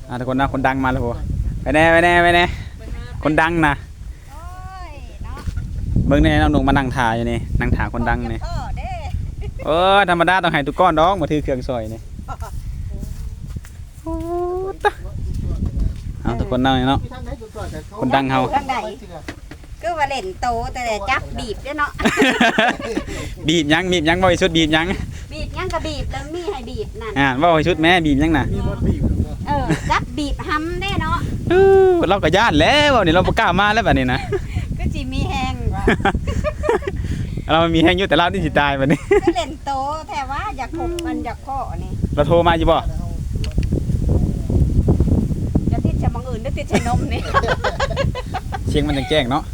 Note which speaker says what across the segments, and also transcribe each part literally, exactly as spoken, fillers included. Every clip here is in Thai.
Speaker 1: อ่าทุกคนนะคนดังมาแล้วโหไปแน่ไปแน่ไปแน่คนดังนะเบิ่งนี่น้องหนุ่มมานั่งถ่ายอยู่นี่นั่งถ่ายคนดังนี่เออธรรมดาต้องให้ทุกก้อนดอกมาถือเครื่องซอยนี่โอ้ตะเอาทุกคนนั่งเนาะคนดังเฮา
Speaker 2: ก็ว่าเล่นโตแต่จับบีบเนาะ
Speaker 1: บีบยังบีบยังบ่ให้ชุดบีบยัง
Speaker 2: บีบยังก็บีบแล้วมีให้บีบนั่น
Speaker 1: อ่าบ่ให้ชุดแม่บีบยังน่ะ
Speaker 2: เออจับบีบห้ำได้เนาะ
Speaker 1: เออเราก็ย่านแล้วนี่เราบ่กล้ามาแล้วบัดนี้นะ
Speaker 2: ก็สิมีแฮง
Speaker 1: เรามีแฮงอยู่แต่เรานี่สิตายบัดนี้
Speaker 2: ก็เล่นโตแต่ว่าอยากขบมันอยากข้อนี่
Speaker 1: เราโทรมาอยู่บ่
Speaker 2: จะติดชะมังอื่นหรือติดชะนมนี่
Speaker 1: เสียงมันแจ้งเนาะ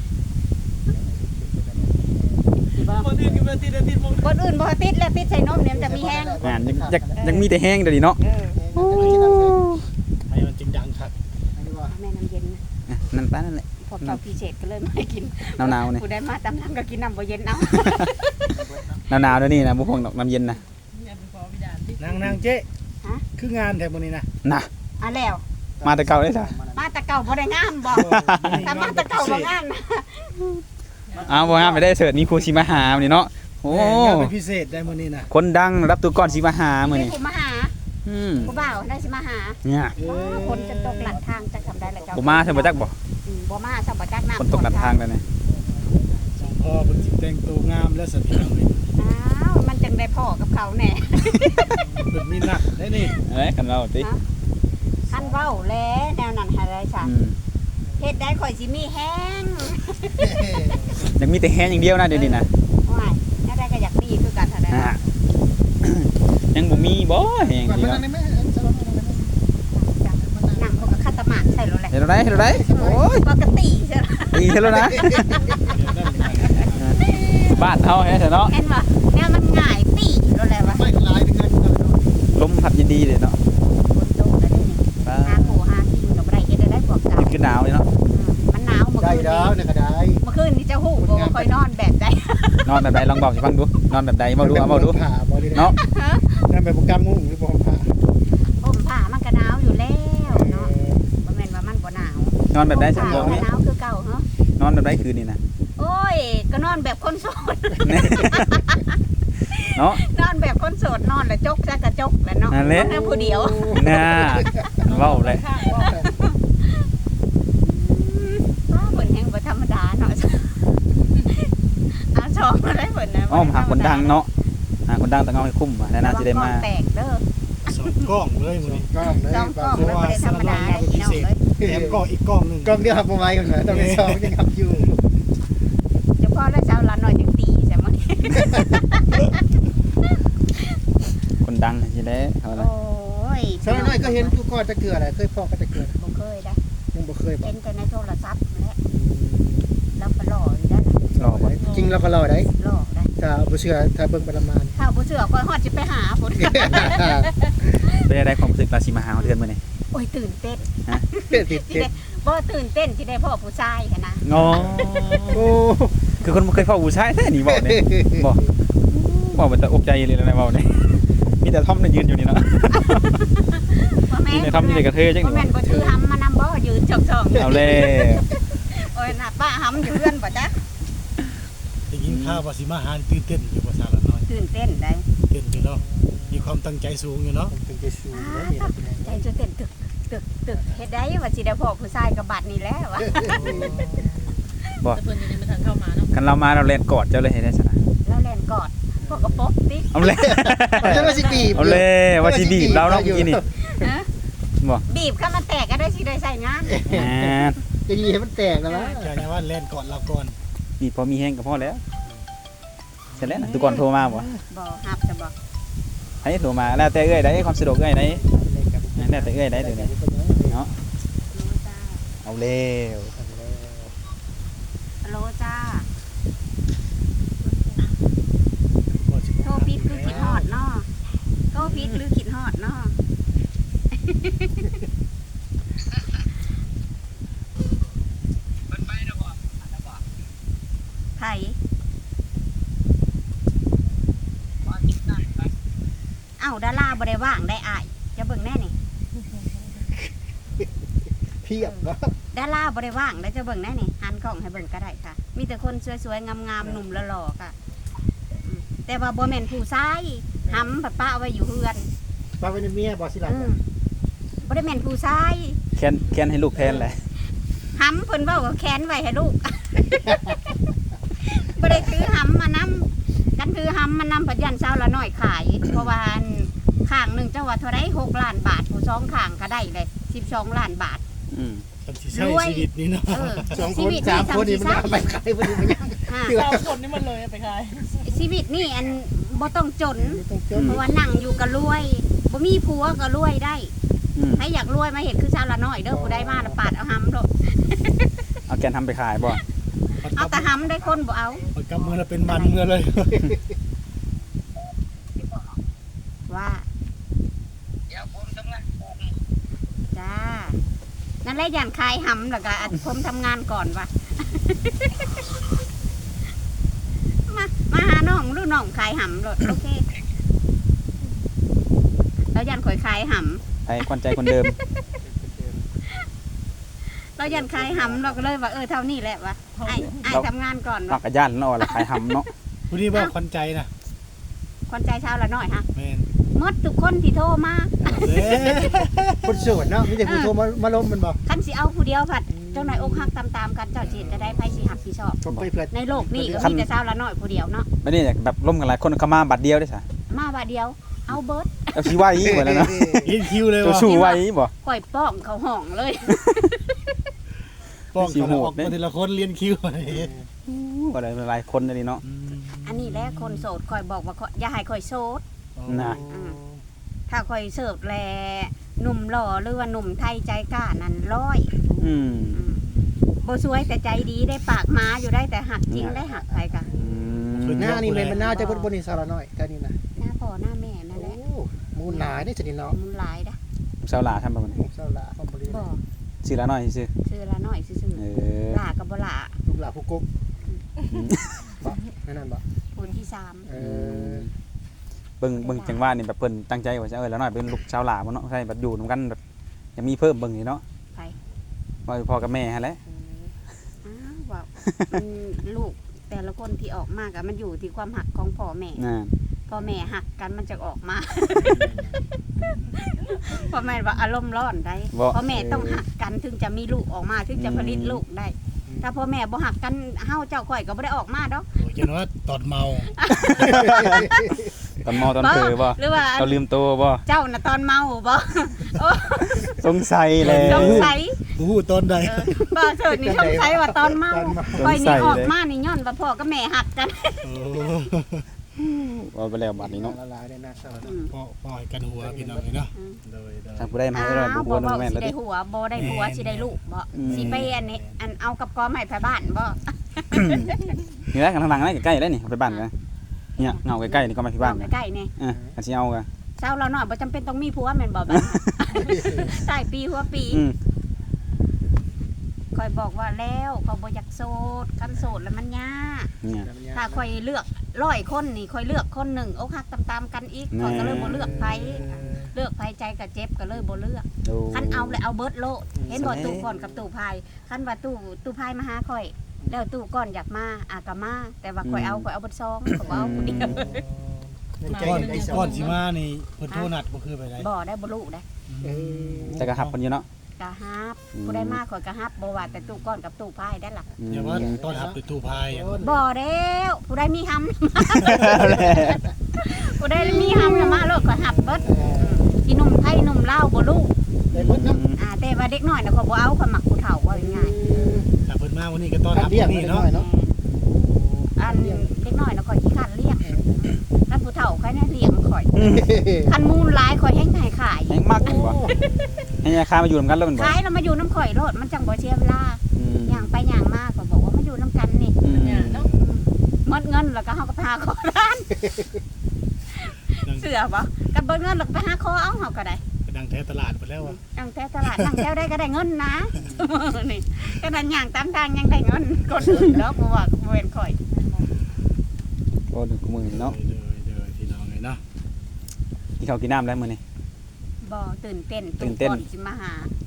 Speaker 2: คนอื่นก็บ่ติดติดมงคนอื่นบ่ติดแล้วติดใส่นมเนี่ยมันจะมีแห้ง
Speaker 1: อ่ายังยังมีแต่แห้งเดี๋ยวนี้เนาะ
Speaker 2: เออ
Speaker 3: ให้มันจริงจังครับ
Speaker 2: แม่น้ำเย็น
Speaker 1: นั่นป้านั่นแหละ
Speaker 2: พอเจ้าพิเศษก็เลยไม่กิน
Speaker 1: หนาวๆนี่
Speaker 2: ผู้ได้มาตำลังก็กินน้ำบ่เย็นเอา
Speaker 1: หนาวๆแล้วนี่นะบุพงน้ำเย็นนะ
Speaker 3: นางนางเจ๊คืองานแถวนี้นะ
Speaker 1: น่ะ
Speaker 2: อ่ะแล้ว
Speaker 1: มาแต่เก่าได้จ้ะ
Speaker 2: มาแต่เก่าบ่ได้งามบ่แต่มาแต่เก่าบ่งาม
Speaker 1: เอาบ่งามไปได้เสิร์ตมีครูสิมาหามื้อนี้เนาะโอ้
Speaker 3: งานเป็นพิเศษได้มื้อนี้นะ
Speaker 1: คนดังรับตัวก่อนสิมาหามื้อนี้
Speaker 2: ผู้มาหา
Speaker 1: อืม
Speaker 2: ผู้บ่าวได้สิมาหา
Speaker 1: เนี่ย
Speaker 2: คนจะตกหลังทางจะทำได้แล้วเจ้า
Speaker 1: บ่มาใช่บ่จักบ่
Speaker 2: บ่มาซะบ่จักน้ำ
Speaker 1: คนตกหลังทางแล้วนี่
Speaker 3: พ่อเพิ่นสิแต่งตัวงามและสะพี่น้องนี่
Speaker 2: อ้าวมันจังได้พ่อกับเขาแน่
Speaker 3: เพิ่นมีนักได้นี่
Speaker 1: เอ้ยกันเว้าติ
Speaker 2: คันเว้าแลแนวนั้นหาได้ซะเฮ็ดได้ข่อยสิมีแห้ง
Speaker 1: ยังมีแต่แห้งอย่างเดียวนะเดี๋ยวนี้นะ
Speaker 2: ว้ายถ้าได้ก็อยากมีคือกันเท่านั้น
Speaker 1: ยังบ่มีบ่แห้งดีเนาะ
Speaker 2: นั่งพวกกับคัตตะหมากใช่แล้วแหละ
Speaker 1: เฮ็ดได้เฮ็ดได้โอ้ย
Speaker 2: ปกติใช่ล่ะ
Speaker 1: ตีเฮ็ดแล้วนะบ้านเฮาแฮ่เนาะ
Speaker 2: เห็นบ่แนวมันง่ายตีแล้วแหละว่า
Speaker 3: ไม่หลายถึงกัน
Speaker 1: ลมพัดดีๆเลยเนาะ
Speaker 2: ฝนตกแล้วนี่หาโผหากินก็บ่ได้เฮ็ดได้พวกเจ้า
Speaker 1: คือหนาวเลยเนาะ
Speaker 2: มันหนาวเมื่อคืนนี้
Speaker 3: ได้ก็ได้
Speaker 2: เมื่อคืนนี้เจ้าฮู้บ่ค่อยนอนแบบใด
Speaker 1: นอนแบบใดลองบอกสิฟังดูนอนแบบใดเว้าดูเอาเว้าดูเนาะ
Speaker 3: นั่นเป็นโปรแกรมมุ้งหรือบ่ผ้า
Speaker 2: ห่มผ้ามันก็หนาวอยู่แล้วเนาะบ่แม่นว่ามันบ่หนาวน
Speaker 1: อนแบบใดจังบ่
Speaker 2: หนาวคือเก่าเหรอน
Speaker 1: อนแบบใดคืนนี้นะ
Speaker 2: โอ้ยก็นอนแบบคนโสด
Speaker 1: เนาะ
Speaker 2: นอนแบบคนโสดนอนแล้วจกซะกระจกแล้วเนาะนอนผู้เดียว
Speaker 1: น่าเว้าเลย
Speaker 2: เพิ่นแฮงบ่ธรรมดาเนาะเอาชองมาได้เพิ่นนะ
Speaker 1: อ้อมหาคนดังเนาะหาคนดังต้องเอาให้คุ้มว่าแล้วน่าสิได้มา
Speaker 2: แตกเด้อ
Speaker 3: สองกล้องเลยมื้อนี้
Speaker 2: กล้องเลยกล้องบ่ได้ธรรมดาได้พี่น้องเลย
Speaker 3: แถมกล้องอีกกล้องนึง
Speaker 4: กล้องเดียวครับบ่ไหวกันนะต้องได้สองยังทำอยู่
Speaker 2: เฉพาะแล้วเช้าละหน่อยจังตีใช่มั้ย
Speaker 1: คนดังสิได้เอาล่ะ
Speaker 2: โอ้ย
Speaker 4: สาวน้อยก็เห็นทุกคนตะเกืออะไรเคยพ่อก็ตะเกือ
Speaker 2: บ่เคยได้
Speaker 4: ยังบ่เคยบ่
Speaker 2: เห็นแต่ในโทรศัพท์แหละแล้วก็หล่ออยู่ได้
Speaker 1: รอบ่
Speaker 4: จริงเราก็รอได้
Speaker 2: หล่อได้
Speaker 4: ถ้าบ่เชื่อถ้าเบิ่งประมาณ
Speaker 2: ถ้าบ่เชื่อก็ฮอดสิไปหาพุ่น
Speaker 1: เป็นได้ความรู้สึกราศีมหาเดือนมื้อนี้
Speaker 2: โอ้ยตื่นเต้น
Speaker 1: ฮะ
Speaker 4: ตื่นเต้น
Speaker 2: บ่ตื่นเต้นสิได้พ่อผู้ชายหั่นนะ
Speaker 1: อ๋อโอ้คือคนบ่เคยพ่อผู้ชายแท้นี่บ่เนี่ยบ่บ่มันจะอกใจเลยนะเว้านี่มีแต่ทอมน่ะยืนอยู่นี่เนาะมีแต่ทอมมีแต่กระเทยจังนี่
Speaker 2: บ่แม่นบ่ถือหำมานำบ่ยืนจ่อง
Speaker 1: ๆเอาเลย
Speaker 2: โอ้ยน่ะป้าหำอยู่เรือนบ่จ๊ะ
Speaker 3: ได้ยินข่าวว่าสิมาหาตื่นเต้นอยู่ภาษาละน้อย
Speaker 2: ตื่นเต้นได้
Speaker 3: เต้นอยู่เนาะมีความตั้งใจสูงอยู่เนาะ
Speaker 4: ตั้งใจสูงแล้วนี่
Speaker 2: ใจจะเต้นตึกตึกตึกเฮ็ดได้ว่าสิได้พ่อผู้ชายกับบัดนี้แล้วว่ะ
Speaker 1: บ่เพิ่นยังบ่ทันเข้ามาเนาะคันเรามาเราเล่นกอดเจ้าเลยเฮ็ดได้ซะนะ
Speaker 2: แล้วเล่นกอดพวกกระปกติ
Speaker 1: เอาเลย
Speaker 4: จะว่าสิบีบ
Speaker 1: เอาเลยว่าสิบีบเราเนาะเมื่อกี้นี่
Speaker 2: ฮะบ่บีบข้ามันแตกก็ได้สิได้ใส่งาน
Speaker 1: อ่า
Speaker 4: จะยีให้มันแตกแล้ววะ
Speaker 3: แค่ว่าเล่นก่อนเราก่อน
Speaker 1: นี่พอมีแฮงก็พอแล้วเสร็จแล้วนะทุกคนโทรมาบ่
Speaker 2: บ่ฮับจะบ่
Speaker 1: ให้โทรมาแล้วแต่เอ้ยได้ความสะดวกเอ้ยได้แล้วแต่เอ้ยได้เดี๋ยวนี้เนาะเอาเร็ว
Speaker 2: ฮัลโหลจ้าโทรผิดคือคิดฮอดเนาะโทรผิดหรือคิดฮอดเนาะไผเอ้าดาราบ่ได้ว่างได้อ้ายจะเบิ่งแน่นี่
Speaker 4: พียบเนาะ
Speaker 2: ดาราบ่ได้ว่างได้จะเบิ่งได้นี่หันกล้องให้เบิ่งก็ได้ค่ะ มีแต่คนสวยๆงามๆหนุ่มหล่อๆค่ะอืมแต่ว่าบ่แม่นผู้ชายหำแบบป้าเอาไว้อยู่เฮือน
Speaker 4: มาเป็นเมียบ่สิล่ะ
Speaker 2: อืมบ่ได้แม่นผู้ชาย
Speaker 1: แค้นแค้นให้ลูกแทนแหละ
Speaker 2: หำเพิ่นเว้าว่าแค้นไว้ให้ลูก บ่ได้ถือหำมานำกันถือหำมานำปัจยันเช้าละน้อยขาย เพราะว่าอันข้างหนึงเจ้าว่าเท่าไรหกล้านบาทผู้สองข้างก็ได้เลยสิบสองล้านบาท
Speaker 1: อืม
Speaker 3: คนที่ใช้ชีวิตนี่เนาะ
Speaker 2: เออ
Speaker 4: สองค
Speaker 2: ชี
Speaker 4: น
Speaker 2: วิต
Speaker 4: สามคนนี่
Speaker 2: นี่
Speaker 4: มัน
Speaker 2: ทำ
Speaker 4: เอาไปขายบ่ดีมันยัง
Speaker 2: อ่า
Speaker 5: สามคนนี่มันเลยไปขาย
Speaker 2: ชีวิตนี่อันบ่ต้องจน
Speaker 4: ต้องเจอ
Speaker 2: เพราะว่านั่งอยู่ก็รวยบ่มีผัวก็รวยได้
Speaker 1: อืม
Speaker 2: ถ้าอยากรวยมาเห็นคือชาวละน้อยเด้อผู้ใดมาละปาดเอาหำโดด
Speaker 1: เอาแกนทำไปขายบ่
Speaker 2: เอาแต่หำได้คนบ่เอา
Speaker 3: มันกำมือแล้วเป็นมันเมื่อเลย
Speaker 2: ว่าจ้านั่นแหละย่านคายหำแล้วก็อันผมทำงานก่อนว่ะ มามาหาน้องลูกน้องขายหำโดดโอเคแล้วยันข่อยขายห
Speaker 1: ไอ้ควันใจคนเดิม
Speaker 2: ำเรายันขายหำเราก็เลยว่าเออเท่านี้แหละวะไอ้ไอ้ทำงานก่อน
Speaker 1: นอก
Speaker 2: วะ
Speaker 1: กับย่านเนาะละขายหำเนาะ
Speaker 3: ผู้นี้ว่าควันใจนะ
Speaker 2: คนใจชาวละน้อยฮะ
Speaker 3: แม่น
Speaker 2: หมดทุกคนที่โทรมา
Speaker 3: เด้
Speaker 4: คนโสดเนาะมีแต่ผู้โทรมามาล้มมันบ่
Speaker 2: คันสิเอาผู้เดียวผัดเจ้านายอกหักตามๆกันเจ้าจีนจะได้ไพ่สิหักสิชอบ
Speaker 4: ผมไปเพื่อน
Speaker 2: ในโลกนี้ก็มีแต่ชาวละน้อยผู้เดียวเนาะ
Speaker 1: ไม่ได้อยากแบบร่วมกันหลายคนเข้ามาบัตรเดียวได้ซะ
Speaker 2: มาบาเดียวเอาเบิร์ด
Speaker 1: เอาชี้ไว้หมดแล้วเนาะ
Speaker 3: ยินคิวเลย
Speaker 1: ตัว
Speaker 3: ว่ะ
Speaker 1: ชูไว้บ่
Speaker 2: ข่อยป้องเขาห้องเลย
Speaker 3: ป้องกันออกมาทีละคนเรียนคิว
Speaker 1: ก็ได้หลายคนเลยเนาะ
Speaker 2: อันนี้แหละคนโสดข่อยบอกว่าข่อยอย่าให้ข่อยโสด
Speaker 1: นะ
Speaker 2: อืมถ้าข่อยเสิร์ฟแลหนุ่มหล่อหรือว่าหนุ่มไทยใจกล้านั่นร้อย
Speaker 1: อืม
Speaker 2: อืมบ่สวยแต่ใจดีได้ปากม้าอยู่ได้แต่หักจริงได้หักใครกะ
Speaker 1: อืม
Speaker 4: หน้านี่มันมันน่าจะเพิ่นบ่นี่สารน้อยแต่นี่นะ
Speaker 2: หน้าพ่อหน้าแม่นั่นแหละ
Speaker 4: โอ้มูลหลายนี่สิเนาะ
Speaker 2: มุนหลายนะ
Speaker 1: ชาวลาทำแบบนี้
Speaker 4: เศร้าละความบ่ดี
Speaker 2: บ่
Speaker 1: ชื่อละน้อยชื่อ
Speaker 2: ชื่อละน้อยซื่อ
Speaker 1: เออ
Speaker 2: ๆหลากับบ่หลา
Speaker 4: ลูกหลานผู้กบบ่นั่นนั่นบ่
Speaker 2: คนที่สาม
Speaker 4: เออ
Speaker 1: เบิ่งเบิ่งจังว่านี่แบบเพิ่นตั้งใจว่าจะเออละน้อยเป็นลูกชาวลาบ่เนาะใช่แบบอยู่นํกันแบบยังมีเพิ่มเบิ่งนี่เนาะ
Speaker 2: ไป
Speaker 1: ว่าพ่อกับแม่หั่นแหละ
Speaker 2: อ้าวว่ามันลูกแต่ละคนที่ออกมากะมันอยู่ที่ความหักของพ่อแม่
Speaker 1: น่ะ
Speaker 2: พ่อแม่หักกันมันจะออกมา พ่อแม่ว่าอารมณ์ร้อนได้
Speaker 1: บ่
Speaker 2: พ่อแม่ต้องหักกันถึงจะมีลูกออกมาถึงจะผลิตลูกได้ ถ้าพ่อแม่บ่หักกันเฮาเจ้าข่อยก็บ่ได้ออกมาดอก
Speaker 3: โอ้ยจังว่าตอนเมา
Speaker 1: ตอนมอตอนเผลอบ่
Speaker 2: หรือว่า
Speaker 1: ตอนลืมตัวบ่
Speaker 2: เจ้าน่ะตอนเมาบ่ โอ้
Speaker 1: สงสัยเลย
Speaker 2: สงสัย
Speaker 3: ผู้หูตอนใด
Speaker 2: เออบ่เถิดนี่สงสัยว่าตอนเมา
Speaker 1: สง
Speaker 2: ข่อย
Speaker 1: สั
Speaker 2: นี่
Speaker 1: ย
Speaker 2: ออก
Speaker 1: เลย
Speaker 2: มานี่ย้อนว่าพ่อกับแม่หักกัน
Speaker 3: โอ้
Speaker 1: ว่าไปแล้วบัดนี้เนาะ
Speaker 4: ละลายได้นะสาร
Speaker 2: อืม
Speaker 3: พ่อพ่อให้กันหัวพี่น้องเลยเนาะโดยโดย
Speaker 1: ถ้าผู้ใดมา
Speaker 2: อ้า
Speaker 1: ให้เรา
Speaker 2: ว
Speaker 1: บ่
Speaker 2: บ่
Speaker 1: บ่
Speaker 2: บ่
Speaker 1: แม่น
Speaker 2: สิ
Speaker 1: แล้ว
Speaker 2: ได้
Speaker 1: ดิ
Speaker 2: หัวบ่ได้ผัวสิได้ลูกบ่
Speaker 1: อืม
Speaker 2: สิไปอันนี้อันเอากับกอไม้ไปบ้านบ่
Speaker 1: นี่แหละกันทางหลังนี่ใกล้ๆแล้วนี่ไปบ้านกันเนี่ยเงาใกล้ๆนี่ก็มาที่บ้านกัน
Speaker 2: ใกล้ๆนี่
Speaker 1: อ่ะกันสิเอากัน
Speaker 2: เช้าเราหน่อยบ่จำเป็นต้องมีผัวแม่นบ่บัดใต้ปีหัวปี
Speaker 1: อืม
Speaker 2: คอยบอกว่าแล้วเขาบ่อยากโสดคันโสดแล้วมันยาก
Speaker 1: เนี่ย
Speaker 2: ถ้าคอยเลือกร้อยคนนี่คอยเลือกคนหนึ่งอกหักตามๆกันอีก
Speaker 1: แน่
Speaker 2: คอยก็เลยบ่เลือกไผเลือกไผใจก็เจ็บก็เลยบ่เลือก
Speaker 1: ดู
Speaker 2: คันเอาเลยเอาเบิดโลดเห็นบ่
Speaker 1: สมัย
Speaker 2: ตู้ก่อนกับตู้พายคันว่าตู้ตู้พายมาหาคอย แล้วตู้ก่อนอยากมาอากะมาแต่ว่าคอยเอาคอยเอาเบิดซองก็บ่เอาผู้เดียว
Speaker 3: ก้อนก้อนสิมานี่เพิ่นโทรนัดบ่คือไปไหน
Speaker 2: บ่ได้บ่รู้ได้
Speaker 4: เออ
Speaker 1: แต่ก็หับคนอยู่เนาะ
Speaker 2: กะฮับ
Speaker 1: อืม
Speaker 2: ผู้ได้มาคอยกะฮับบ่ว่าแต่ตู้ก่อนกับตู้พายได้ล่ะ
Speaker 1: อืม
Speaker 3: อย่าว่าตอนหับไปตู้พายอ่ะ
Speaker 2: บ่แล้วผู้ได้มีหำ ผู้ได้มีหำน่ะมาโลดก็หับเบิดที่หนุ่มไทยหนุ่มลาวบ่รู้
Speaker 4: ได้หมดเนาะ
Speaker 2: อ่าแต่ว่าเด็กน้อยน่ะเขาบ่เอาคนมักผู้เฒ่าว่าง่าย
Speaker 3: ถ้าเพิ่นมาวันนี้ก็ต้อน
Speaker 4: การ
Speaker 3: รับ
Speaker 4: เรียก
Speaker 3: นี่
Speaker 4: มัน
Speaker 3: เนาะ
Speaker 4: น้อยเนาะ
Speaker 2: ๆอันเด็กน้อยน่ะข่อยขี้คร้านเลี้ยงคันผู้เฒ่าใครน่ะเลี้ยงข่อยคันมูลหลายข่อยแฮงให้ขาย
Speaker 1: แห้งมากอยู่บ่ให้ยาคามาอยู่นำกันแล้วมันบ่
Speaker 2: ขายแล้วมาอยู่น้ำข่อยโลดมันจังบ่เสียเวลา
Speaker 1: อืม
Speaker 2: ย่างไปย่างมาก็บอกว่ามาอยู่น้ำกันนี่
Speaker 1: อืม
Speaker 2: หมดเงินแล้วก็เฮาก็พาขอร้านเสือบ่กันเบิดเงินแล้วก็ไปหาขอเอาเฮาก็ได้
Speaker 3: ก็ดังแท้ตลาดไปแล้วอ่ะ
Speaker 2: ตั้งแต่ตลาดตั้งแถวได้ก็ได้เงินนะ นี่ก็นั่นย่างตามทางยังได้เงินคนอื่นแล้วเพราะว่าเว้นข่อย
Speaker 1: โอ้ดึกมือเนาะ
Speaker 3: เด้อเด้อพี่น้องเลยเนาะ
Speaker 1: กินข้าวกินน้ำแล้วมื้อนี้
Speaker 2: บ่ตื่นเต้น
Speaker 1: ตื่นเต้น
Speaker 2: ก่อนสิมาหา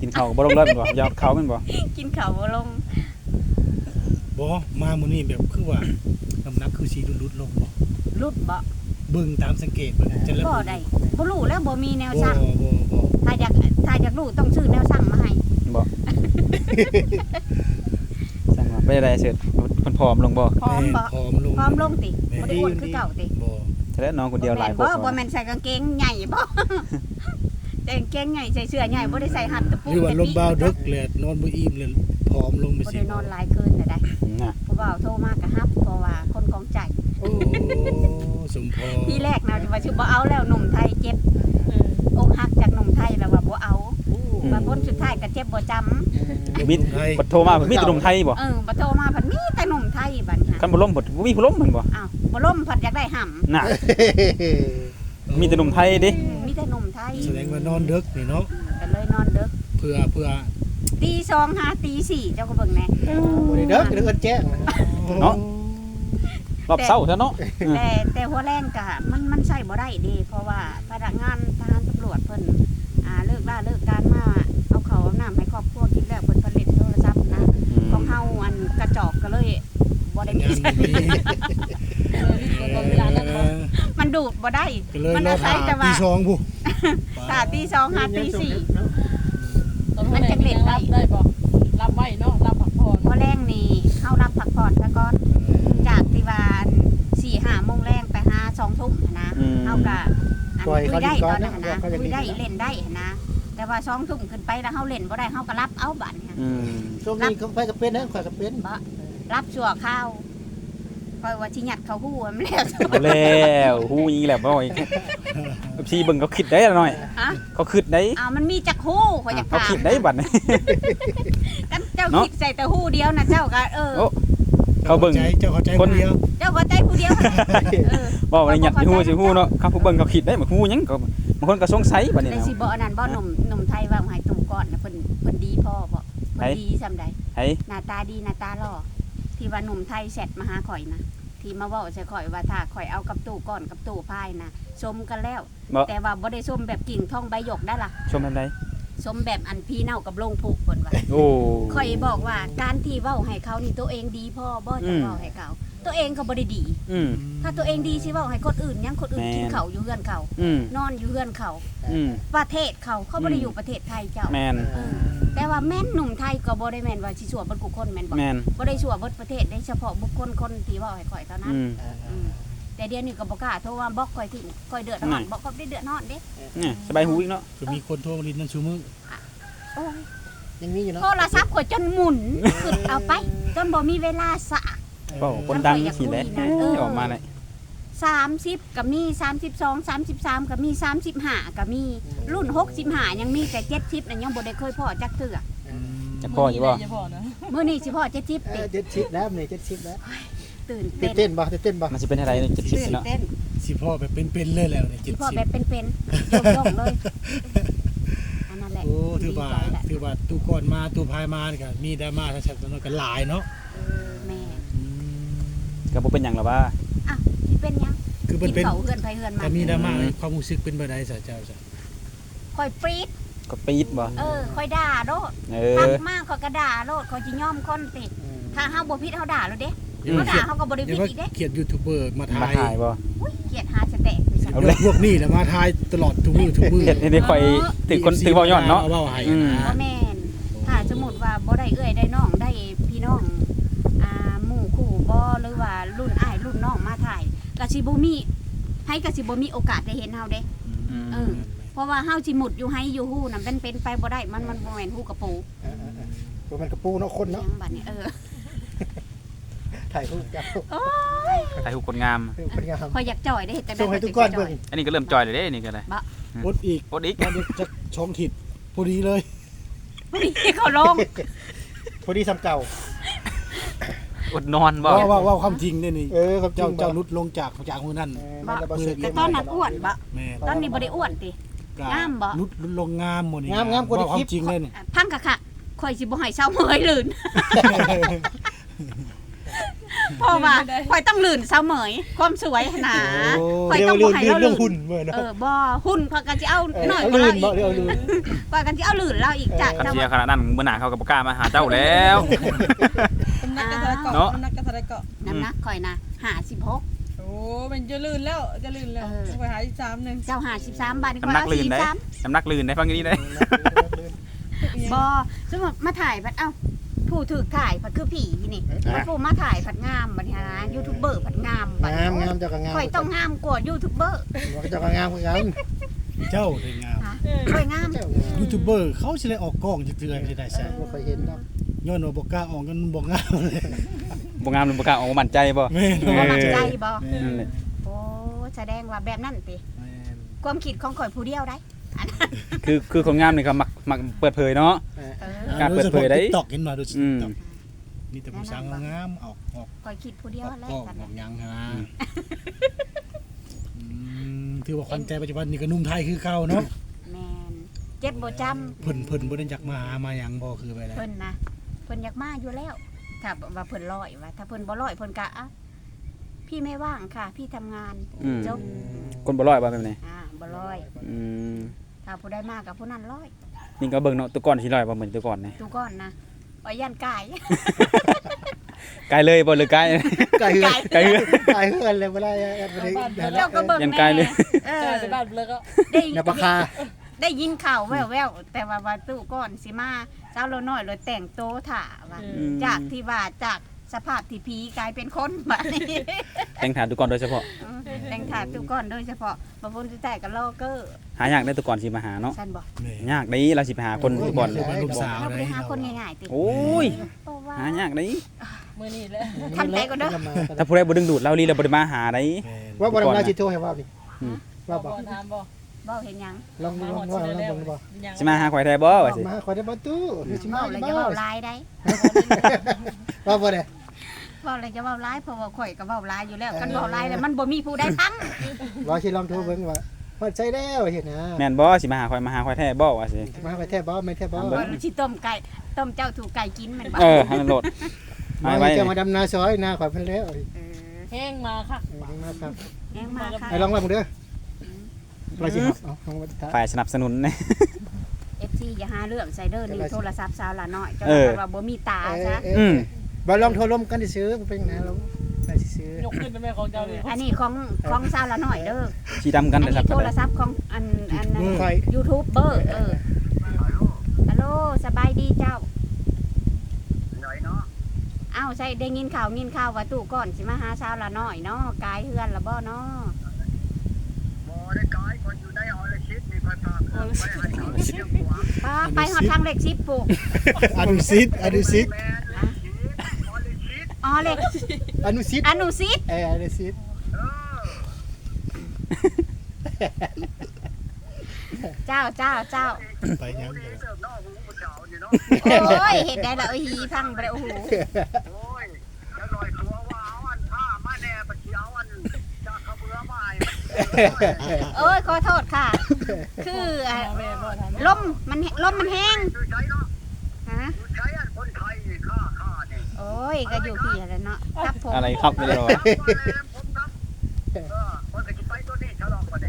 Speaker 1: กินข้าวก็บ่ลงเลยแม่นบ่ยอดเขาแม่นบ่
Speaker 2: กินข้าวบ่ลง
Speaker 3: บ่มามื้อนี้แบบคือว่าน้ำหนักคือสิลุดๆลงบ่
Speaker 2: รุดบ่
Speaker 3: เบิ่งตามสังเกตเบิ่งจะเริ่ม
Speaker 2: บ่ได้บ่รู้แล้วบ่มีแนว
Speaker 3: บ่
Speaker 2: สั่ง
Speaker 3: บ่บ่
Speaker 2: ถ้าอยากถ้าอยากรู้ต้องซื้อแนวสั่งมาให้
Speaker 1: บ่สั่งว่าไปได้เสร็จเพิ่นผอมลงบ่
Speaker 2: พร้อมบ่
Speaker 3: ผอมลง
Speaker 2: พร้อมลงติบ่ได้อ้วนคือเก่าติ
Speaker 3: บ่
Speaker 1: แต่แล้วน้องคนเดียวหลายค
Speaker 2: บ่
Speaker 1: น
Speaker 2: บ่แม่นใส่กางเกงใหญ่บ่ ใส่กางเกงใหญ่ใส่เสื้อใหญ่บ่ได้ใส่หัดตะปู
Speaker 3: หรือว่าลมเบาดึกเลยนอนบ่อิ่มเลยผอมลงไป
Speaker 2: บ่
Speaker 3: สิ
Speaker 2: ได้นอนหลายคืนน่ะได้
Speaker 1: น่ะ
Speaker 2: ผู้บ่าวโทรมาก็ฮับเพราะว่าคนของใจ
Speaker 3: โอ้สมพร
Speaker 2: ทีแรกนะว่าสิบ่เอาแล้วหนุ่มไทยเจ็บอกหักจากหนุ่มไทยแล้วว่าบ่เอาบางคนสุดท้ายก็เจ็บบ่จำ
Speaker 1: มิดบ่โทรมามีแต่หนุ่มไทยบ่
Speaker 2: เออบ่โทรมาเพิ่นมีแต่หนุ่มไทยบัดนี้
Speaker 1: คันบ่ล้มบ่บ่มีผู้ล้มแม่นบ่
Speaker 2: อ้าวบ่ล่มเพิ่นอยากได้ห่ำ
Speaker 1: น่ะมีแต่หนุ่มไทยเด้
Speaker 2: มีแต่หนุ่มไทย
Speaker 3: แสดงว่านอนดึกนี่เนาะ
Speaker 2: ก็เลยนอนดึก
Speaker 3: เพื่อเพื่อ
Speaker 2: ตีสองหาตีสี่เจ้าก็เบิ่งแน่
Speaker 4: บ่ได้เด้อเด้อแจ้ง
Speaker 1: เนาะรอบเช้าซะเนาะ
Speaker 2: แต่แต่หัวแรงก็มันมันใช้บ่ได้เด้เพราะว่าพนักงานทหารตำรวจเพิ่นอ่าเลิกล่าเลิกการมาเอาข้าวเอาน้ำให้ครอบครัวกินแล้วเพิ่นผลิตโทรศัพท์นะของเฮาอันกระจอกก็เลยบ่ได้มี
Speaker 3: งานบ่มี
Speaker 2: มันดูดบ่ได้
Speaker 3: ก็เลย
Speaker 2: มัน
Speaker 3: รอ
Speaker 2: อาศั
Speaker 3: ถ่าย
Speaker 2: แต่ว่า
Speaker 3: ตีสองผู้
Speaker 2: ตาตีสองหาตีสี่
Speaker 5: มันจะเล่นได้ได้บ่รับไว้เนาะรับผักผ่อน
Speaker 2: พอแรงนี่เข้ารับพักผ่อนซะก่อนจากที่ว่าสี่ห้าโมงแรงไปหาสองทุ่มนะเฮาก็อันคุยได้ตอนนั้นนะคุยได้เล่นได้นะแต่ว่าสองทุ่มขึ้นไปแล้วเฮาเล่นบ่ได้เฮาก็รับเอาบัดเนี่ย
Speaker 1: อืม
Speaker 4: ช่วงนี้ก็ไปก็เป็นนะข่อยก็เป็น
Speaker 2: บ่รับชั่วข้าวคอยว่าสิหยัดเขาฮู้มันแล้ว
Speaker 1: เอาแล้วฮู้อีกแล้วบ่อีกพี่เบิ่งเขาคิดได้ละหน่อย
Speaker 2: ฮะ
Speaker 1: เขาคิดได้
Speaker 2: อ้าวมันมีจักฮู้ข่อยอยาก
Speaker 1: เขา
Speaker 2: ถาม
Speaker 1: คิดได้บัดนี้
Speaker 2: กันเจ้าคิดใส่แต่ฮู้เดียวนะเจ้าก็เออ
Speaker 1: โอ้ เขาเบิ่ง
Speaker 3: ใจเจ้าเข้าใจ
Speaker 1: คน
Speaker 3: เดียว
Speaker 2: เจ้าก็ใจผู้เดียวเออ
Speaker 1: บ่ว่าหยัดสิฮู้สิฮู้เนาะครับผู้เบิ่งเขาคิดได้บ่ฮู้หยังก็บางคนก็สงสัยบัดนี้
Speaker 2: ได้
Speaker 1: นะ
Speaker 2: สิบ่อันนั้นบ่หนุ่มหนุ่มไทยว่าให้ตู่ก่อนนะเพิ่นเพิ่นดีพ่อบ่เพิ่นดีซำใด
Speaker 1: ไอ้
Speaker 2: หน้าตาดีหน้าตาหล่อที่ว่าหนุ่มไทยแชทมาหาข่อยนะที่มาเว้าใส่ข่อยว่าถ้าข่อยเอากับตู่ก่อนกับตู่พายนะชมกันแล้ว
Speaker 1: บ่
Speaker 2: แต่ว่าบ่ได้ชมแบบกิ่งทองใบหยกได้ล่ะ
Speaker 1: ชมแบบใด
Speaker 2: ชมแบบอันพี่เน่ากับโลงผูกเพิ่นว่า
Speaker 1: โอ้
Speaker 2: ข่อยบอกว่าการที่เว้าให้เขานี่ตัวเองดีพ่อบ่จะเว้าให้เขาตัวเองก็บ่ได้ดี
Speaker 1: อืม
Speaker 2: ถ้าตัวเองดีสิเว้าให้คนอื่นยังคนอื่น
Speaker 1: แม่น
Speaker 2: กินข้าวอยู่เฮือนเขา
Speaker 1: อืม
Speaker 2: นอนอยู่เฮือนเขา
Speaker 1: อืม
Speaker 2: ประเทศเขาเขาบ่ได้อยู่ประเทศไทยเจ้า
Speaker 1: แม่น
Speaker 2: เออแต่ว่าแม่นหนุ่มไทยก็บ่ได้แม่นว่าสิชั่วเบิดทุกคนแม่นบ่
Speaker 1: แม่น
Speaker 2: บ่ได้ชั่วเบิดประเทศได้เฉพาะบุคคลคนที่เว้าให้ข่อยเท่านั้น
Speaker 1: อืม
Speaker 2: อืมแต่เดี๋ยวนี้ก็บ่กล้าโทรว่าบอกข่อยทิ้งข่อยเดือดร้อน
Speaker 1: นั่น
Speaker 2: บอกข่อยได้เดือดร้อนเด้
Speaker 1: เนี่ยสบายหูอีกเนาะ
Speaker 3: ก็มีคนโทรมาลินนั่นชูมือ
Speaker 2: โอ้ย
Speaker 4: ยังมีอยู่เนาะ
Speaker 2: โทรศัพท์ข่อยจนหมุนขึ้นเอาไปจนบ่มีเวลาสะ
Speaker 1: เว้าคนดังสิแหละ
Speaker 2: เออ
Speaker 1: ออกมาได้
Speaker 2: สามสิบก็มีสามสิบสอง สามสิบสามก็มีสามสิบห้าก็มีรุ่นหกสิบห้ายังมีแต่เจ็ดสิบน่ะยังบ่ได้เคยพอจักเทื่อ
Speaker 1: จะพออยู่บ่
Speaker 5: จะพอนะ
Speaker 2: มื้อนี้สิพอเจ็ดสิบ
Speaker 4: เอ
Speaker 2: ติ
Speaker 4: อเจ็ดสิบแล้วนี่เจ็ดสิบแล้ว
Speaker 2: ตื่น
Speaker 4: ตื่
Speaker 2: เต้
Speaker 4: น
Speaker 2: น
Speaker 4: เต้นบ่ตื่นเต้นบ่
Speaker 1: มันสิเป็นอะไรเนี่ยจะคิด
Speaker 2: ตื่น
Speaker 1: เนาะ
Speaker 2: เต้น
Speaker 3: สิพ่อแบบเป็นๆเลยแล้วเนี่ย
Speaker 2: สิ
Speaker 3: เจ็ด
Speaker 2: พอ
Speaker 3: สิบ
Speaker 2: แบบเป็นๆยกๆเลยอันนั้นแหละ
Speaker 3: โอ้ถือว่า
Speaker 2: ดีใจแหละ
Speaker 3: ถือว่าตู้ก่อนมาตู้พายมานี่ก็มีดราม่าชัดๆกันหลายเนาะ
Speaker 2: เออแม่
Speaker 3: อืม
Speaker 1: ก็บ่เป็นหยังหรอกว่า
Speaker 2: อ่ะสิเป็นหยัง
Speaker 3: คือมัน
Speaker 2: กิน
Speaker 3: เป็น
Speaker 2: เขาเฮือนไผเฮือนมา
Speaker 3: แต่มีดราม่าความรู้สึกเป็นบ่ได้ซะเจ้าจ้ะ
Speaker 2: ค่อยปรี๊ด
Speaker 1: ก็ปีดบ่
Speaker 2: เออค่อยด่าโลด
Speaker 1: เอ
Speaker 2: ทั
Speaker 1: อ
Speaker 2: กมากเขาก็ด่าโลดเขาสิยอมคนติถ้าเฮาบ่ผิดเฮาด่าโลดเด้
Speaker 1: อืม
Speaker 2: เฮาด่าเฮาก็บ่ได้
Speaker 3: เดี๋
Speaker 2: ผิ
Speaker 3: ยวว่า
Speaker 2: ดอีกเด้
Speaker 3: เขียนยูทูบเบอร์มา
Speaker 1: มา
Speaker 3: ถ่าย
Speaker 1: ถ่ายบ่
Speaker 2: อุ้ยเกลียดหาสแตกไปซะ
Speaker 1: เอาเลย
Speaker 3: พวกนี้แหละมาถ่ายตลอดทุกมื้อทุกมื้อ
Speaker 1: เฮ็ดให้ได้ค่อยถือคนถือเว้าย้อนเนาะ
Speaker 3: เว้าให้
Speaker 1: อืม
Speaker 3: นะ
Speaker 2: บ่แม่นถ้าสมมุติว่าบ่ได้เอื้อยได้น้องได้พี่น้องอ่าหมู่คู่บ่หรือว่ารุ่นอ้ายรุ่นน้องมาถ่ายก็สิบ่มีให้ก็สิบ่มีโอกาสได้เห็นเฮาเด้
Speaker 1: อืม
Speaker 2: เออ เพราะว่าเฮาสิหมุดอยู่ให้อยู่ฮู้นำเป็นเป็นไปบ่ได้มันมันบ่แม่นฮู้กระปู
Speaker 4: เออๆๆตัวมันกระปูเนาะคน
Speaker 2: หยั
Speaker 4: เนาะ
Speaker 2: งบัดนี้เออ
Speaker 4: ถ่ายรูปกับ
Speaker 2: โอ้ย
Speaker 1: ถ่ายรูปคนงาม
Speaker 4: เป็นงาม
Speaker 2: ข่อยอยากจ่อยได้เฮ็ดจังได๋
Speaker 4: ส่งให้ทุกก้อนเบิ่ง
Speaker 1: อันนี้ก็เริ่มจอยเลยเด้นี่ก็ได้
Speaker 3: อดอีก
Speaker 1: อดอีก
Speaker 3: มันจะช่องถิดพอดีเลย
Speaker 2: นี่เขาลง
Speaker 4: พอดีซ้ำเก่า
Speaker 1: อดนอนบ่
Speaker 3: ว่าว่าว่าความจริงเนี่ยนี่
Speaker 4: เออครับ
Speaker 3: เจ้าเจ้าลุดลงจากจากมือนั่น
Speaker 4: เออมันจะบ่เสร็จ
Speaker 2: แต่ตอนนั้นอ้วนบ่
Speaker 3: แม่
Speaker 2: ตอนนี้บ่ได้อ้วนติ
Speaker 3: ก็
Speaker 2: งามบ่
Speaker 3: ลุดลุดลงงามหมดนี่
Speaker 4: งามงามกว่าใน
Speaker 3: ว่าค
Speaker 4: คลิ
Speaker 3: วา
Speaker 4: ป
Speaker 3: มจริงเลยนี่
Speaker 2: พังกะค่ะข่อยสิบ่ให้เช้าเมยลื่นเพราะว่าข่อยต้องลื่นเสมอความสวยหนาข่อย
Speaker 3: เดี๋ย
Speaker 2: ต้
Speaker 3: ว
Speaker 2: อง
Speaker 3: เรื่
Speaker 2: บ่
Speaker 3: อง
Speaker 2: ให้
Speaker 3: เรื่อ
Speaker 2: เรา
Speaker 3: งเรื่
Speaker 2: ลื่
Speaker 3: อง
Speaker 2: น
Speaker 3: หุ่นเมื่อเนาะ
Speaker 2: เออบ่หุ่นข่อยก็สิเอาหน่อยก
Speaker 3: เอา
Speaker 2: ว่า
Speaker 3: ลื่
Speaker 2: เรา
Speaker 3: น
Speaker 2: อี
Speaker 3: บ่
Speaker 2: ก
Speaker 3: เดี๋ยวลื่น
Speaker 2: ข่อยก็สิเอาลื่นเราอีกจาก
Speaker 1: กัน
Speaker 2: แต่
Speaker 1: เชีย
Speaker 2: ว่า
Speaker 1: ขนาดนั้นมื้อหน้าเขาก็บ่กล้ามาหาเจ้าแล้ว
Speaker 5: น้ำหนักกระทะเกาะ
Speaker 1: เนาะ
Speaker 5: น้ำหนักกระทะเกาะ
Speaker 2: น้ำหนักข่อยนะห้าสิบหก
Speaker 5: โอ้มันจะลื่นแล้วจะลื่นแล้วไปหาอีกสามหนึ่ง
Speaker 2: เจ้าห้าสิบสามบาท
Speaker 1: น้ำหนักลื่นได้น้ำหนักลื่นได้ฟังอย่างนี้ได้
Speaker 2: บ่สมมุติมาถ่ายผัดเอ้าผู้ถือถ่ายผัดคือผีนี่ผู้มาถ่ายผัดงามบัดนี้นะยูทูบเบอร์ผัดงามบัด
Speaker 4: งามงามเจ้าก็งาม
Speaker 2: ข่อยต้องงามกว่ายูทูบเบอร์
Speaker 4: เจ้าก็งามเหมือนกัน
Speaker 3: เจ้าได้งาม
Speaker 2: ข่อยงาม
Speaker 4: เจ้างาม
Speaker 3: ยูทูบเบอร์เขาสิได้ออกกล้องจักเทื่อสิได้ใช่
Speaker 4: บ่เคยเห็นดอก
Speaker 3: ย้อนว่าบ่กล้าออกกันบ่งามเลย
Speaker 1: บ่งามหรือบ่กล้าออกมามั่นใจบ่
Speaker 3: แม่น
Speaker 2: บ่มั่นใจบ่
Speaker 1: นั่นแหละ
Speaker 2: โอ้แสดงว่าแบบนั้นติความคิดของข่อยผู้เดียวได้
Speaker 1: คือคือคนงามนี่ก็มักมักเปิดเผยเนาะ
Speaker 2: เออ
Speaker 1: การเปิดเผยได้
Speaker 3: ตอกเห็นมาดูสิ
Speaker 1: อืม
Speaker 3: ตอกมีแต่ผู้สาวงามๆออกออก
Speaker 2: ข่อยคิดผู้เดียว
Speaker 3: ออก
Speaker 2: แล้
Speaker 3: กล้
Speaker 2: ว
Speaker 3: อง
Speaker 2: กัน
Speaker 3: ออกหยังฮะอืมถือว่าขวัญใจปัจจุบันนี่ก็หนุ่มไทยคือเก่าเนาะ
Speaker 2: แม่นเจ็บบ่จำ
Speaker 3: เพิ่นเพิ่นบ่ได้จักมาหามาหยังบ่คือไปแล้ว
Speaker 2: เพิ่นนะเพิ่นอยากมาอยู่แล้ว ถ้าว่าเพิ่นร้อยว่าถ้าเพิ่นบ่ร้อยเพิ่นก็อ่ะพี่ไม่ว่างค่ะ พี่ทำงาน
Speaker 1: อืม
Speaker 2: จบ
Speaker 1: คนบ่ร้อยบ่แบบนี้
Speaker 2: อ่าบ่ร้อย
Speaker 1: อืม
Speaker 2: ถ้าผู้ได้มากกับผู้นั้นร้อย
Speaker 1: นี่ก็เบิ่งเนาะตัวก่อนสิร้อยบ่เหมือนตัวก่อนนี่
Speaker 2: ดูก่อนนะอ้อยยันกาย
Speaker 1: ไกลเลยบ่หรือไกล
Speaker 4: ไก่เฮือน
Speaker 1: ไกลเฮือน
Speaker 4: ไก่เฮือนเลยบ่ได้แอดบ่ได้
Speaker 2: เจ้าก็เบิ่ง
Speaker 1: ยันกายเลย
Speaker 2: เอ
Speaker 5: ใช่
Speaker 2: อ
Speaker 5: ไปบ้านเลยก็
Speaker 2: ได้
Speaker 4: อย่าปากคา
Speaker 2: ได้ยินข่าวแว่วๆแต่ว่าว่าตู้ก่อนสิมาเจ้าเราน้อยเลยแต่งโตวถ่าว่า
Speaker 1: อืม
Speaker 2: จากที่ว่าจากสภาพที่ผีกลายเป็นคนบัดนี้
Speaker 1: แต่งฐานตัวก่อนโดยเฉพาะ
Speaker 2: อืมแต่งถ่าตู้ก่อนโดยเฉพาะบางคนสิแต่กับลอเกอร์
Speaker 1: หายากได้ตัวก่อนสิมาหาเนาะ
Speaker 2: ซั่นบ่
Speaker 3: แม่
Speaker 1: ยากได้เราสิไปหาคนตัวก่อน
Speaker 3: คือว่าลูกสาว
Speaker 2: เรา
Speaker 3: ได้
Speaker 2: ไปหาคนง่ายๆติ
Speaker 1: โอ้ย
Speaker 2: เพราะว่า
Speaker 1: หายากได้
Speaker 5: มือนี่แหละ
Speaker 2: ทำใจก่อนเด้อ
Speaker 1: ถ้าผู้ใดบ่ดึงดูดเราลีเราบ่ได้มาหาได้
Speaker 3: แม่น
Speaker 4: ว่าบ่ได้มาสิโทรให้ว่านี่
Speaker 1: อืม
Speaker 4: ว่าบ่
Speaker 5: ถามบ่
Speaker 2: บ่เห็นหยัง
Speaker 4: ลองลองว่าลองเบิ่งบ่
Speaker 1: สิมาหาข่อยแท้บ่ว่าสิ
Speaker 4: มาขอได้บ่ตู้สิมา
Speaker 2: เว้าแล้ว
Speaker 4: บ่
Speaker 2: จะเว้าลายได้
Speaker 4: ว่าบ่ได้
Speaker 2: เว้าแล้วจะเว้าลายเพราะว่าข่อยก็เว้าลายอยู่แล้วคันเว้าลายแล้วมันบ่มีผู้ใดฟัง
Speaker 4: ว่าสิลองโทรเบิ่งว่าพอใจแล้วเห็นนะ
Speaker 1: แม่นบ่สิมาหาข่อยมาหาข่อยแท้บ่ว่าสิ
Speaker 4: มาไปแท้บ่ไม่แท้บ่
Speaker 2: เออสิต้มไก่ต้มเจ้าถูกไก่กินแม่นบ่
Speaker 1: เออให้มันโหลด
Speaker 4: มา
Speaker 1: ไว้
Speaker 4: จะ
Speaker 1: ไว้
Speaker 4: มาดำนาซอยนาข่อยเพิ่นแล้ว
Speaker 2: เออ
Speaker 5: แห้งมาค่ะ
Speaker 4: มาครับ
Speaker 2: แยังมาค่ะ
Speaker 4: ไอ้ลองว่ามึงเด้อเราสิเอาลองมาถ่าย
Speaker 1: ฝ่ายสนับสนุนนะ
Speaker 2: เอฟซีอย่าหาเรื่องใส่เด้อนี่โทรศัพท์สาวละน้อยเจ้า
Speaker 1: เออ
Speaker 2: ว่าบ่มีตา
Speaker 4: เอ
Speaker 2: ซะ
Speaker 4: อเอ
Speaker 1: อื
Speaker 4: อ
Speaker 1: ม
Speaker 4: บ่ลองโทรลมกันซื้อมันเป็นไงเราไปซื้อย
Speaker 5: กขึ้นเป็นแม่ของเจ้าดิ
Speaker 2: อันนี้ของของสาวละน้อยเด้อ
Speaker 1: สีดำกัน
Speaker 2: อัน
Speaker 1: เลยค
Speaker 2: นี้
Speaker 1: รับ
Speaker 2: โทรศัพท์ของอันอันนั้น
Speaker 4: ค่อย
Speaker 2: ยูทูบเบอร์เออฮัลโหลสบายดีเจ้าเอ้าใช่ได้ยินข่าวยินข่าวว่าตู้ก่อนสิมาหาสาวละน้อยเนาะกายเฮือนละบ่เนาะ
Speaker 6: บ่ได้กายคนอยู่ในออลชิตนี่ค่อยพาเพิ่นไปให้เขาเที่ยวหัว
Speaker 2: ป้าไปฮอดทางเลขสิบปุ๊
Speaker 3: อนุสิตอนุสิต
Speaker 6: แม่นออลชิต
Speaker 2: อ๋อเลข
Speaker 4: อนุสิต
Speaker 2: อนุสิต
Speaker 4: เอออนุสิต
Speaker 6: เออ
Speaker 2: เจ้าเจ้าเจ้า
Speaker 3: ไปหยัง
Speaker 6: นี่
Speaker 3: เด้อ
Speaker 6: เติบนอกหูผู้เจ้านี่เนาะ
Speaker 2: โอ้ยเห็นได้ละเอ้ยหีพังไปเลยโอ้โห
Speaker 6: โอ้ยจะลอยตัวว่าเอาอันผ้ามาแน่ปะเขียวอันจากเขาเบื่อมาให้
Speaker 2: เอ้ยขอโทษค่ะ คืออ่ะ
Speaker 5: แม่บ่ถาม
Speaker 2: ลมมันแห้งลมมันแห้ง
Speaker 6: คือใช้เนาะ
Speaker 2: ฮะ
Speaker 6: คือใช้อันคนไทยนี่ค่าค่านี่
Speaker 2: โอ้ยก็อยู่พี่แล้วเนาะครับผม
Speaker 1: อะไรครับไม่ได้หรอ
Speaker 6: ครับว่าแล้วผมครับเออคนก็สิไปตัวนี้ฉลองบ่ได้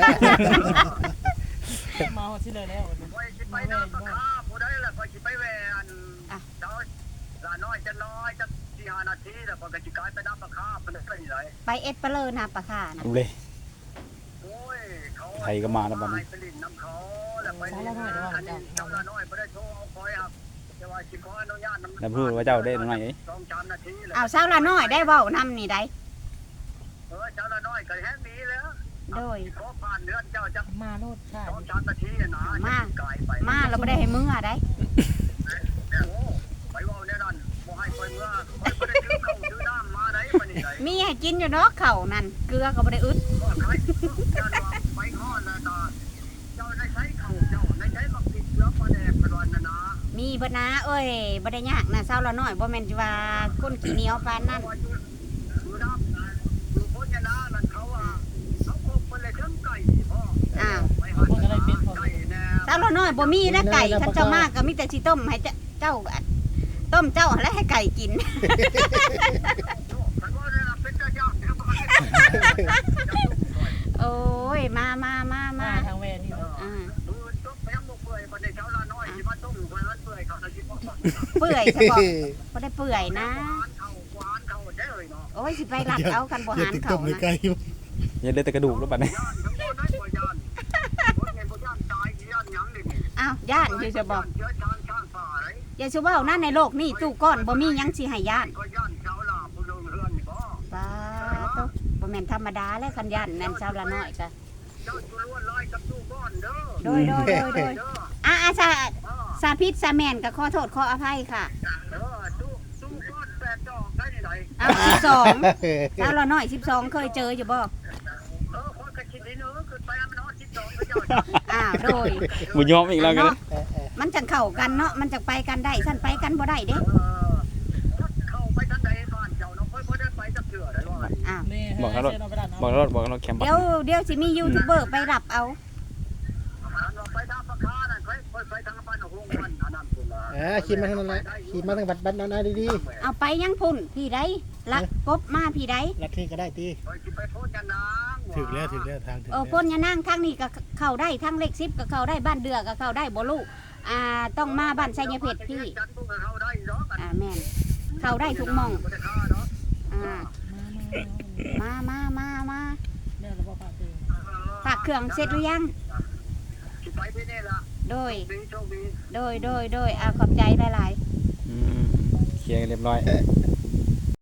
Speaker 5: มาหอดที่เลยแล้ว
Speaker 6: คอยสิไปน้ำปลาคาผู้ใดล่ะคอยสิไปแวอันเจ้าละน้อยจะน้อยจะสี่ห้านาทีแล้วก็สิกลายไปน้ำปลาคาเป็นไปไหน
Speaker 2: ไปเอ็ดเปเลอนาปะค่ะนะ
Speaker 1: ดูเลย
Speaker 6: โอ้ยเขา
Speaker 1: ไทยก็มาแล้วบัดนี้
Speaker 6: ไปลินน้ำเขาแล้วไปลินอันนี้เจ้าละน้อยไม่ได้โทรเอาคอยครับจะว่าสิขออนุญาตน้ำ
Speaker 1: แล้วพูดว่าเจ้าได้หน่อยเอ้ย
Speaker 6: สองสามนาทีเลย
Speaker 2: เอาเช้าละน้อยได้เว้านำนี่ได้
Speaker 6: เออเจ้าละน้อยก็แห้งนี้แล้ว
Speaker 2: โดย
Speaker 6: ขอผ่านเดือนเจ้าจะ
Speaker 5: มาโลดค่ะ
Speaker 6: สองสามนาทีนะไกลไป
Speaker 2: มาเราไม่ได้ให้มือได้
Speaker 6: โอ้ไปว่าแน่นอนบ่ให้คอยเมื่อคอยไม่ได้ซื้อข้าวซื้อน้ำมาได้ปานนี้ได้
Speaker 2: มีให้กินอยู่เนาะเข่านั่นเกลือก็บ่ได้อึด
Speaker 6: ก็ใครเจ้าว่าไปฮอดแล้วก็เจ้าได้ใช้ข้าวเจ้าได้ใช้บักติดเชื้อปลาแดงเป็นวันนะนะ
Speaker 2: มีบ่นะเอ้ยบ่ได้ยากนะเช้าละน้อยบ่แม่นสิว่าคนขี้เหนียวปานนั้น
Speaker 6: ดูน้ำนะดูโภชนานั่นเขาว่าเขาคงเป็นเลยเครื่องไก่พ่อ
Speaker 2: อ้าว
Speaker 6: ไปหาไก่แน่
Speaker 2: เช้าละน้อยบ่มีนะไก่คันเจ้ามากก็มีแต่สิต้มให้เจ้าเจ้าต้มเจ้าแล้วให้ไก่กิน
Speaker 6: ไก่
Speaker 2: โอ้ยมามามา
Speaker 5: มา
Speaker 2: มา
Speaker 5: ทางแม่นี่
Speaker 2: อ่า
Speaker 6: ดูตุ๊กแม่งเปื่อยประเดี๋ยวเช้าละน้อยที่มาต้มเปื่อยเปื่อยเขาจะกิน
Speaker 2: เปื่อยใช่บ่บ่ได้เปื่อยนะ
Speaker 6: หวานเขาหวานเขาได้เลยเนาะ
Speaker 2: โอ้ยสิไปรักเอากันบ่
Speaker 3: อย่า
Speaker 2: หาร
Speaker 3: ติด
Speaker 2: เขา
Speaker 3: ตบเลย
Speaker 2: นะ
Speaker 3: ไกล
Speaker 1: อย่าเลยแต่กระดูกแล้วบัดนี้
Speaker 6: ย่านทั้งหมดได้บ่ย่านบ่เงินบ่ย่านตายย่านหยังนี่
Speaker 2: อ้าวย่านอยู่จะบอก
Speaker 6: เชื้อชาญชาติฝ่าไร
Speaker 2: อย่าชูเว้านะในโลกนี้ตู้ก้อนบ่มีหยังสิให้ย่าน
Speaker 6: ก็ย่านเช้าลาผู้ลงเรือนนี่บ่
Speaker 2: ป้าโตบ่แม่นธรรมดาแล้วคันย่านแม่นชาวละน้อยก็
Speaker 6: เจ้าจุลวนลอยกับตู้ก้อนเด้อ
Speaker 2: โดยโดยโดยโดย
Speaker 6: เด้อ
Speaker 2: อ่ะอ่ะสา
Speaker 6: อ่า
Speaker 2: สาพิษสาแม่นก็ขอโทษขออภัยค่ะ
Speaker 6: เด้อตู้ตู้ก้อนแปดดอกได้ที่ไหน
Speaker 2: เอาสิบสองชาวละน้อยสิบสองเคยเจออยู่บ่
Speaker 6: เออคนกระชิดนี่เนอะขึ้นไปมันนอนสิบสองก็เจ้า
Speaker 2: อ้าวโดย
Speaker 1: บ่ยอมอีกแล้วกัน
Speaker 2: เนาะมันจังเข้ากันเนาะมันจังไปกันได้ฉันไปกันบ่ได้เด้
Speaker 6: เออเข้าไปทันใดบ้านเจ้าเนาะค่อยบ่ได้ไปจักเทื่อได้ว่า
Speaker 2: อ้าว
Speaker 5: นี่
Speaker 1: บอกแล้วรถบอกแล้วรถบอกแล้วรถแคมป์
Speaker 2: เดี๋ยวเดี๋ยวสิมียูทูบเบอร์ไปรับเอา
Speaker 6: อันว่าไปทางปากคานั่นค่อยค่อยไปทางบ้านหงมันอันนั้นพุ่นล่ะ
Speaker 4: อ่าขี่มาทางนั้นแหละขี่มาทางบัดบัดนาดี
Speaker 2: เอาไปยังพุ่นพี่ใดลักกบมาพี่ใด
Speaker 4: ๆลัดที่ก็ได้ตี
Speaker 6: ค่อยสิไปโพสต์กันนาง
Speaker 3: ถึงแล้วถึงแล้วทางถึง
Speaker 2: เออ
Speaker 3: แล้ว
Speaker 2: พ่นยานั่งทางนี้ก็เข้าได้ทางเลขสิบก็เข้าได้บ้านเดือก็เข้าได้บ่ลูกอ่าต้องมาบ้านไชยเพชรพี่
Speaker 6: จันทร์พวกเขาได้เนาะ
Speaker 2: อ่าแม่นเข้าได้ทุกหม่อง
Speaker 6: บ่ได้ฆ่าเนาะ
Speaker 2: อ่ามามามามา
Speaker 5: แม่เราบอกฝากตื่น
Speaker 2: ฝากเครื่องเสร็จหรือยัง
Speaker 6: สิไปที่นี่ล่ะ
Speaker 2: โดย
Speaker 6: ดีโชคดี
Speaker 2: โดยโดยโดยอ่าขอบใจหลาย
Speaker 1: อืมเคลียร์กันเรียบร้อย
Speaker 2: ๆ